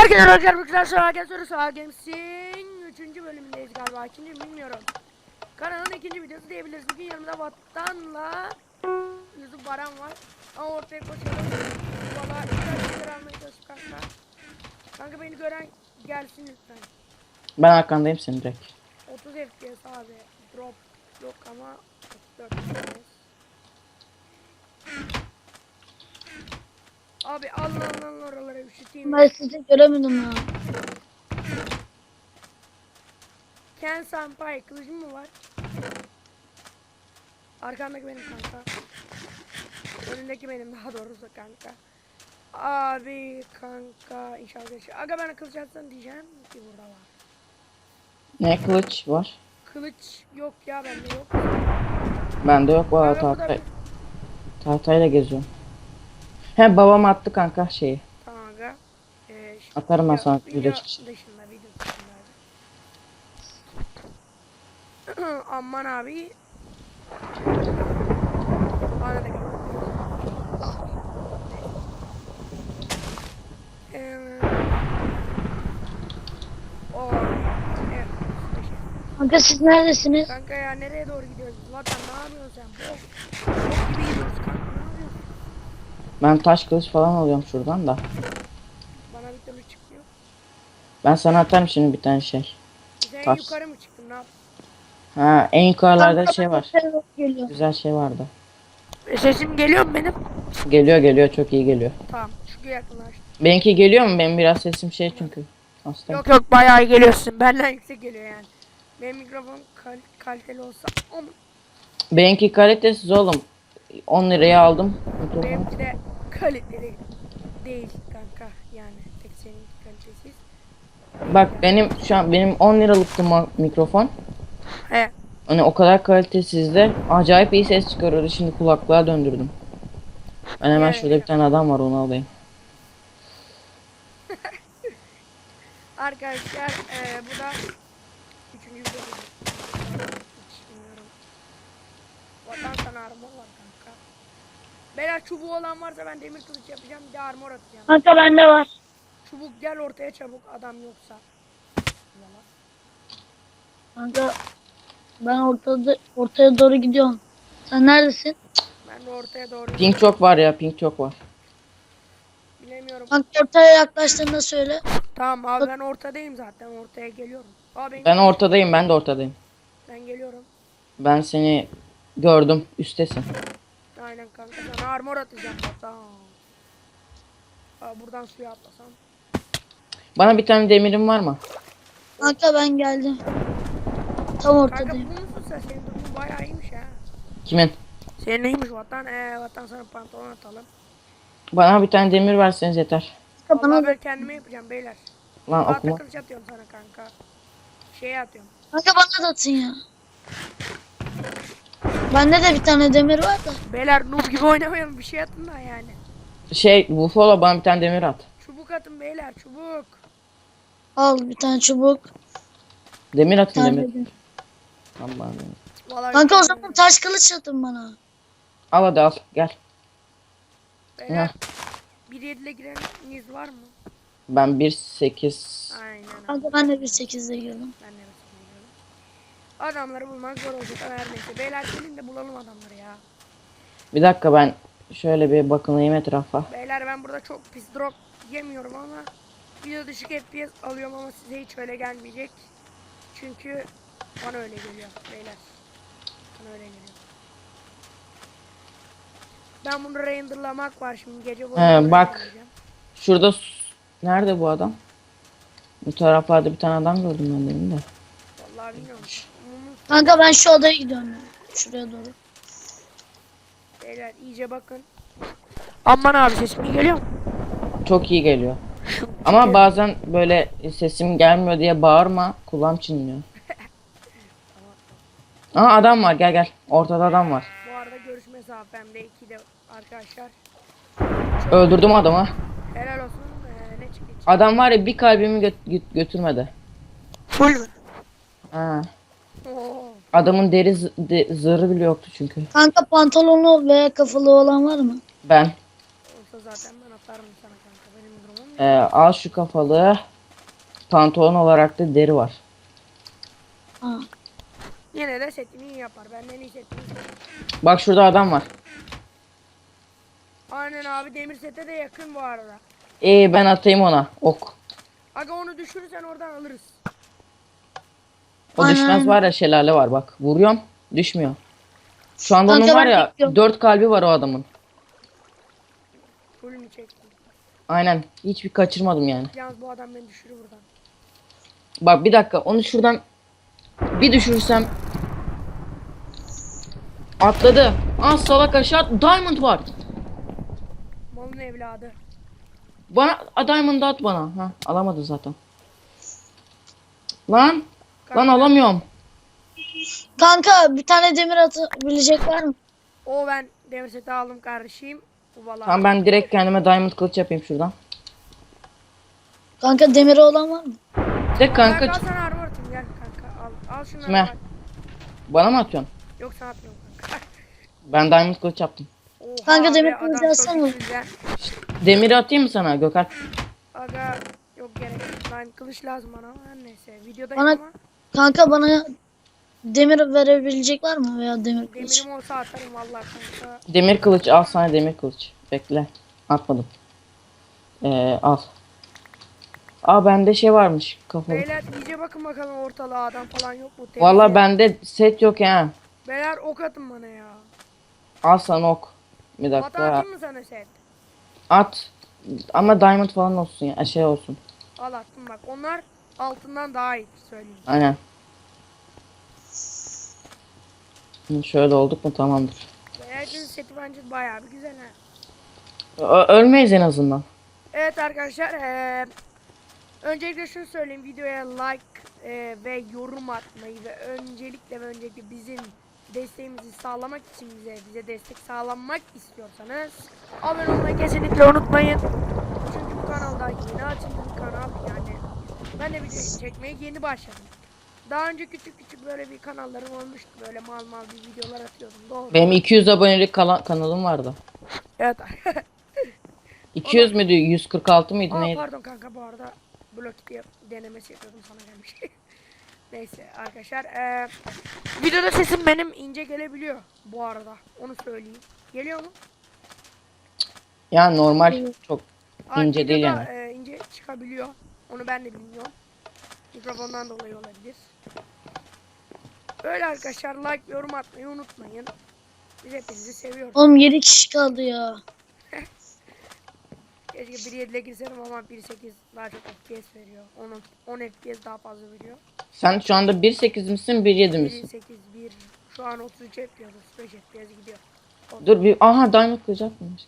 Herkese arkadaşlar Sağa Games'in 3. bölümündeyiz galiba. 2. bilmiyorum. Kanalın 2. videosu diyebiliriz. Bugün yanımda Vattan'la Yusuf Baran var. Ama ortaya koşalım. Valla güzel almaya çalışıp kanka. Kanka beni gören gelsin lütfen. Ben arkandayım senin direkt. 30 FPS abi. Drop yok ama 34 FPS. Abi Allah oralara üşüteyim. Ben sizi göremedim ya. Ken Senpai kılıcım mı var? Arkandaki benim kanka. Önündeki benim daha doğrusu kanka. Abi kanka inşallah geçiyor. Aga bana kılıç atsan diyeceğim ki burada var. Ne kılıç var? Kılıç yok ya bende yok. Bende yok valla tahtayla geziyorum. He babam attı kanka şeyi. Tamam aga. Atarım ben sana video video çıkışı. dışında video dışında. Aman abi. Bana da gel. Evet. Kanka siz neredesiniz? Kanka ya nereye doğru gidiyoruz? Vatan ne yapıyorsun sen? Bok gibi gidiyoruz kanka. Ne yapıyorsun? Ben taş kılıç falan alıyorum şuradan da. Bana bir türlü çıkmıyor. Ben sana atarım şimdi bir tane şey. Sen Taş. yukarı mı çıktın? Ne yaptın? Ha en yukarılarda Kanka şey var. Geliyor. Güzel şey vardı. Sesim geliyor mu benim? Geliyor çok iyi geliyor. Tamam. Şu yakınlaş. Benimki geliyor mu? Benim biraz sesim şey çünkü. Hastayım. Yok bayağı iyi geliyorsun. Benden yüksek geliyor yani. Benim mikrofon kaliteli olsa ama Benimki kalitesiz oğlum. 10 liraya aldım. Mikrofonu. benimki de kaliteli değil kanka. Yani tek senin kalitesiz. Bak benim 10 liralıktı mikrofon. He. Hani o kadar kalitesizdi. Acayip iyi ses çıkarıyordu. Şimdi kulaklığa döndürdüm. Ben hemen Evet. şurada bir tane adam var onu alayım. Arkadaşlar bu da 3. video. Hiç bilmiyorum. Vatan sana armor var kanka. Beyler çubuğu olan varsa ben demir kılıç yapacağım. Bir de armor atacağım. Kanka bende var. Çubuk gel ortaya çabuk adam yoksa. Yalan. Kanka ben ortaya doğru gidiyorum. Sen neredesin? Ben de ortaya doğru Pink çok var ya pink çok var. bilemiyorum. Kanka ortaya yaklaştığında söyle. Tamam abi ben ortadayım zaten ortaya geliyorum. Abi Ben ortadayım ben de ortadayım. ben geliyorum. Ben seni gördüm üsttesin. Aynen kanka sana armor atacağım hatta. Buradan suya atlasam. Bana bir tane demirin var mı? Kanka ben geldim. Tam Kanka bu ortadayım. musun sen? Senin durumun bayağı iyiymiş ha. Kimin? Senin iyiymiş vatan. Vatan sana pantolon atalım. Bana bir tane demir verseniz yeter. Kanka Vallahi bana ben da. kendime yapacağım beyler. Lan Tahta okuma. kılıç atıyorum sana kanka. Şeye atıyorum. Kanka bana da atın ya. Bende de bir tane demir var da. Beyler noob gibi oynamayalım bir şey atın da yani. Şey Buffalo bana bir tane demir at. Çubuk atın beyler çubuk. Al bir tane çubuk. Demir Bir atın tane demir. demir. Tamam bana. Vallahi Kanka o bir zaman taş kılıç atın bana. Al hadi al gel. beyler 1.7'le gireniniz var mı? Ben 1.8. Aynen. Kanka ben de 1.8'de girdim. Ben de mesela biliyorum. Adamları bulmak zor olacak ama her neyse. Beyler gelin de bulalım adamları ya. Bir dakika ben şöyle bir bakınayım etrafa. Beyler ben burada çok pis drop yemiyorum ama video düşük FPS alıyorum ama size hiç öyle gelmeyecek. Çünkü bana öyle geliyor beyler. Bana öyle geliyor. Ben bunu renderlamak var şimdi gece boyunca. Bak. renderlayacağım. Şurada nerede bu adam? Bu taraflarda bir tane adam gördüm ben demin de. Vallahi bilmiyorum. Kanka ben şu odaya gidiyorum. Şuraya doğru. Beyler iyice bakın. Aman abi sesim iyi geliyor mu? Çok iyi geliyor. Şu Ama çünkü- bazen böyle sesim gelmiyor diye bağırma. Kulağım çınlıyor. Aha adam var gel gel. Ortada adam var. Bu arada görüş mesafemde 2'de arkadaşlar. Öldürdüm adamı. Helal olsun. Ne çıktı? Adam var ya bir kalbimi götürmedi. Full mü? Ha. Oo. Adamın deri zırhı bile yoktu çünkü. Kanka pantolonlu veya kafalı olan var mı? Ben. Olsa zaten ben atarım sana kanka. Benim durumum yok. Al şu kafalı. Pantolon olarak da deri var. Ha. Yine de setini iyi yapar. Benden iyi setini yapar. Bak şurada adam var. Aynen abi, demir sete de yakın bu arada. Ben atayım ona. Ok. Aga onu düşürürsen oradan alırız. O Aynen, düşmez aynen. var ya, şelale var bak. Vuruyorum. Düşmüyor. Şu anda onun Kanka var ben ya bekliyorum. 4 kalbi var o adamın. Full mü çektim? Aynen. Hiçbir kaçırmadım yani. Yalnız bu adam beni düşürür buradan. Bak bir dakika, onu şuradan bir düşürsem. Atladı. Salak aşağı. Diamond var. Malın evladı. Bana diamond at bana. Alamadı zaten. Lan Kanka, alamıyorum. Kanka bir tane demir atabilecek var mı? o ben demir seti aldım kardeşim. Bu valla. Tamam, ben direkt kendime diamond kılıç yapayım şuradan. Kanka demiri olan var mı? De kanka Kanka sana armor atayım, gel kanka al. Al şunları. Kime? bak. bana mı atıyorsun? Yok sana atmıyorum kanka. Ben diamond kılıç yaptım. Oha Kanka be, demir adam kılıcı çok alsana. güzel. Demiri atayım mı sana Gökhan? Aga yok gerek yok. Ben kılıç lazım bana ama her neyse. Videodayım Bana- ama Kanka bana demir verebilecek var mı veya demir kılıç? demirim olsa atarım valla kanka. Demir kılıç al sana, demir kılıç. Bekle. Atmadım. Al. Bende şey varmış kafalı. Beyler iyice bakın bakalım ortalığa, adam falan yok mu? Valla Temizleyin. bende set yok ya. Beyler ok atın bana ya. Al sana ok. Bir Bata dakika. atayım mı sana set? At. Ama diamond falan olsun ya. Şey olsun. Al attım bak. Onlar altından daha iyi söyleyeyim. Aynen. Şöyle olduk mu tamamdır. Beyler'in seti bence bayağı bir güzel ha. Ölmeyiz en azından. Evet arkadaşlar, öncelikle şunu söyleyeyim, videoya like ve yorum atmayı ve öncelikle bizim desteğimizi sağlamak için bize destek sağlanmak istiyorsanız abone olmayı kesinlikle unutmayın. Çünkü bu kanalda yeni açıldı bir kanal, yani ben de video çekmeye yeni başladım. Daha önce küçük böyle bir kanallarım olmuştu, böyle mal bir videolar atıyordum, doğru. Benim 200 abonelik kanalım vardı. Evet. 200 müydü? 146 mıydı neydi? Pardon kanka, bu arada blok diye denemesi yapıyordum, sana gelmiş. Neyse arkadaşlar, videoda sesim benim ince gelebiliyor bu arada, onu söyleyeyim. Geliyor mu? Yani normal, çok ince değil videoda, yani. ince çıkabiliyor. Onu ben de bilmiyorum. Mikrofondan dolayı olabilir. Öyle arkadaşlar, like ve yorum atmayı unutmayın. Biz hepinizi seviyoruz. Oğlum 7 kişi kaldı ya. Keşke 1.7'le girsem ama 1.8 daha çok FPS veriyor. 10 FPS daha fazla veriyor. Sen şu anda 1.8 misin 1.7 misin? 1.8 1 şu an 33 yapıyoruz. 35 FPS gidiyor. Dur bir, diamond kılıç atmamış.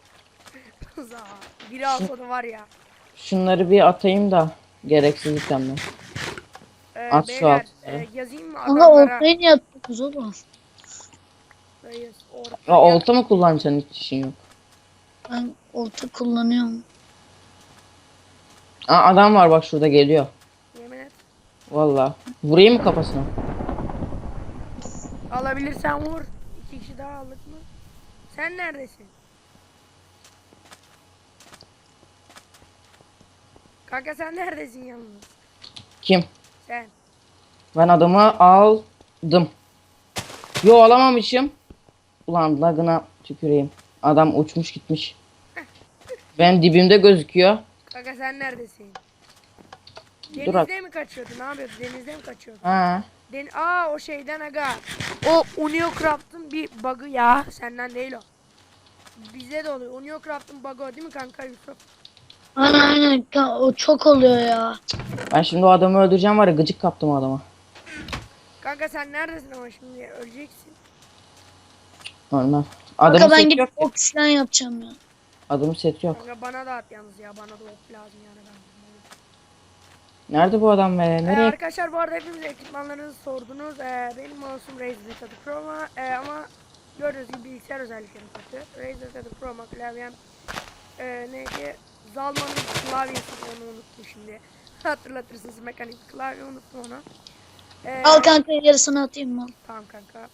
Biri alsa da var ya. Şunları bir atayım da gereksiz itemler. At şu Beyler, altları. yazayım mı Kanka adamlara? ortaya niye yapıyorsunuz oğlum? Reis, Ya olta mı kullanacaksın, hiç işin yok. Ben olta kullanıyorum. Adam var bak şurada, geliyor. Yemin et. Valla. Vurayım mı kafasına? Alabilirsen vur. 2 kişi daha aldık mı? Sen neredesin? Kanka sen neredesin yalnız? Kim? Sen. Ben adamı aldım. Yo, alamamışım. Ulan lagına tüküreyim. Adam uçmuş gitmiş. Ben dibimde gözüküyor. Kanka sen neredesin? Dur at. Denizde mi kaçıyordun? Ne yapıyordun? Denizde mi kaçıyordun? Ha. O şeyden aga. O Uniocraft'ın bir bug'ı ya. Senden değil o. Bize de oluyor. Uniocraft'ın bug'ı o değil mi kanka Yusuf? Aynen o çok oluyor ya. Ben şimdi o adamı öldüreceğim var ya, gıcık kaptım o adama. Kanka sen neredesin ama şimdi öleceksin. Normal. Kanka Adamın ben seti gidip yok ki. ok falan yapacağım ya. Adamın seti yok. Kanka bana da at yalnız ya. Bana da ok lazım yani ben. Nerede bu adam be? Nereye? Arkadaşlar bu arada hepimiz ekipmanlarınızı sordunuz. Benim mouse'um Razer Tadı Pro'ma ama gördüğünüz gibi bilgisayar özellikleri kötü. Razer Tadı Pro'ma klavyem neydi? Zalman'ın klavyesi, onu unuttum şimdi. Hatırlatırsınız, mekanik klavye, unuttum onu. Al kanka yarısını atayım mı? Tamam kanka.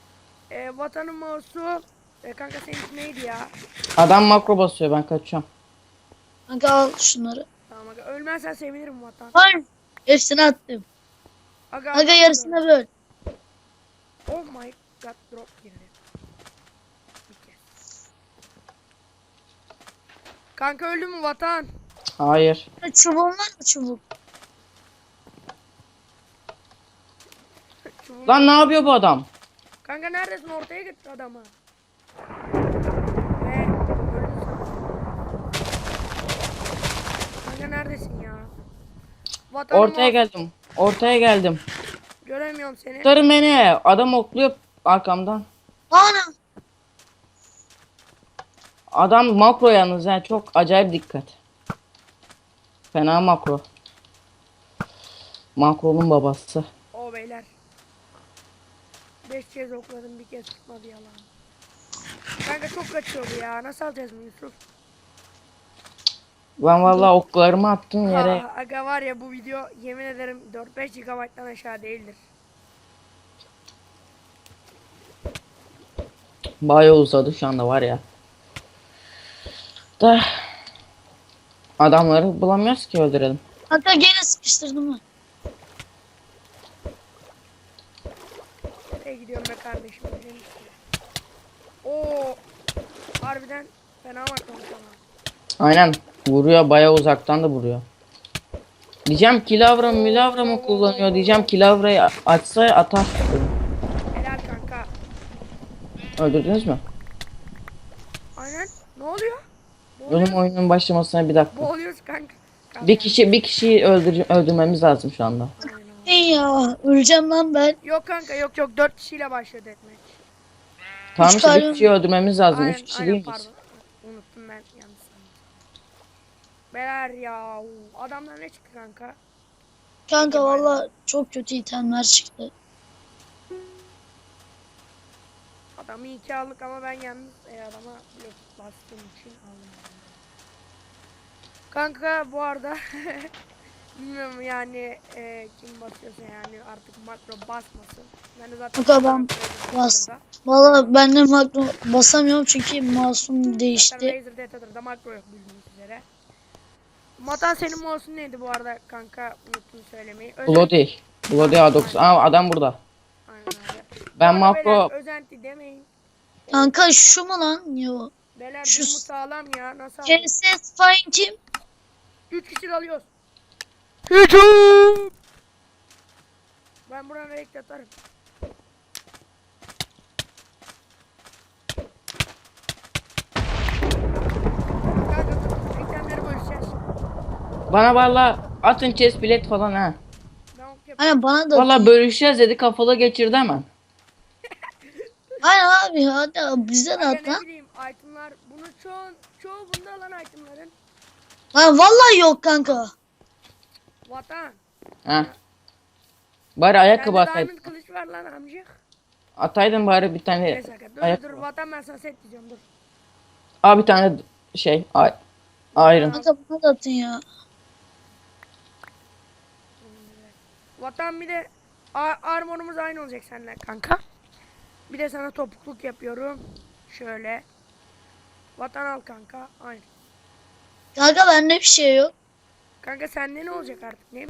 Vatanın mouse'u kanka seninki neydi ya? Adam makro basıyor, ben kaçıyorum. Kanka al şunları. Tamam aga. Ölmezsen sevinirim vatan. Hayır. Hepsini attım. Aga, Kanka yarısına böl. Oh my god, drop girdi. Bir kez. Kanka öldü mü vatan? Hayır. Çubuğun var mı çubuk? Çubuğum- Lan ne yapıyor bu adam? Kanka neredesin? Ortaya gitti adamı. Ve öldü sana. Kanka neredesin ya? Vatanım Ortaya geldim. Ortaya geldim. Göremiyorum seni. Kurtarın beni. Adam okluyor arkamdan. Ana. Adam makro yalnız yani çok acayip dikkat. Fena makro. Makronun babası. O beyler. 5 kez okladım, bir kez tutmadı yalan. Kanka çok kaçıyor bu ya. Nasıl alacağız bunu Yusuf? Ben vallahi oklarımı attım yere. Ha, aga var ya, bu video yemin ederim 4-5 GB'dan aşağı değildir. Bayağı uzadı şu anda var ya. Da adamları bulamıyoruz ki öldürelim. Kanka gene sıkıştırdım mı? Nereye gidiyorum be kardeşim? Oo, harbiden fena bakmamış ama. Aynen. Vuruyor bayağı uzaktan da vuruyor. Diyeceğim kilavra milavra mı kullanıyor diyeceğim kilavrayı açsa atar. Helal kanka. Öldürdünüz mü? Aynen. Ne oluyor? Oğlum oyunun başlamasına bir dakika. Boğuluyoruz kanka. Bir kişiyi öldürmemiz lazım şu anda. Aynen abi. Hey ya öleceğim lan ben. Yok kanka, yok 4 kişiyle başladı etmek. Tamam Üç işte bir kalbim- kişiyi öldürmemiz lazım. Aynen, 3 kişi aynen, değil pardon. miyiz? Unuttum ben, yanlış sandım. Beyler ya, adamlar ne çıktı kanka? Kanka valla çok kötü itemler çıktı. Adamı 2 aldık ama ben yalnız adama blok bastığım için aldım. Kanka bu arada bilmiyorum yani kim basıyorsa yani artık makro basmasın. Ben de zaten Kanka ben bas. Valla ben de makro basamıyorum çünkü masum değişti. Razer Data'da makro yok bildiğiniz üzere. Matan senin mouse'un neydi bu arada kanka, unuttum söylemeyi. Bloody. Bloody A9. Aa adam burada. Aynen öyle. Ben Bu arada beyler, makro özenti demeyin. Kanka şu mu lan? Yo. Beyler Şu- durumu sağlam ya, nasıl alıyoruz? KSS Fine kim? 3 kişi de alıyoruz. Hücum! Ben buranı renk atarım. Kanka dur, eklemleri bölüşeceğiz. bana valla atın chest bilet falan ha. Ben ok yapayım. Aynen bana da. Valla bölüşeceğiz dedi kafalı geçirdi hemen. Aynen abi hadi bize de Aga at ne lan. bileyim, itemlar, bunu çoğu bunda alan itemların. Lan vallahi yok kanka. Vatan. Ha. Bari ayakkabı Bende ataydın. diamond kılıç var lan amcık. Ataydın bari bir tane Neyse aga, dur ayakkabı. vatan, ben sana set diyeceğim, dur. Aa bir tane şey iron. Kanka bana da atın ya. Vatan bir de armorumuz aynı olacak seninle kanka. Bir de sana topukluk yapıyorum. Şöyle. Vatan al kanka. Aynı. Kanka bende bir şey yok. Kanka sende ne olacak artık, ne?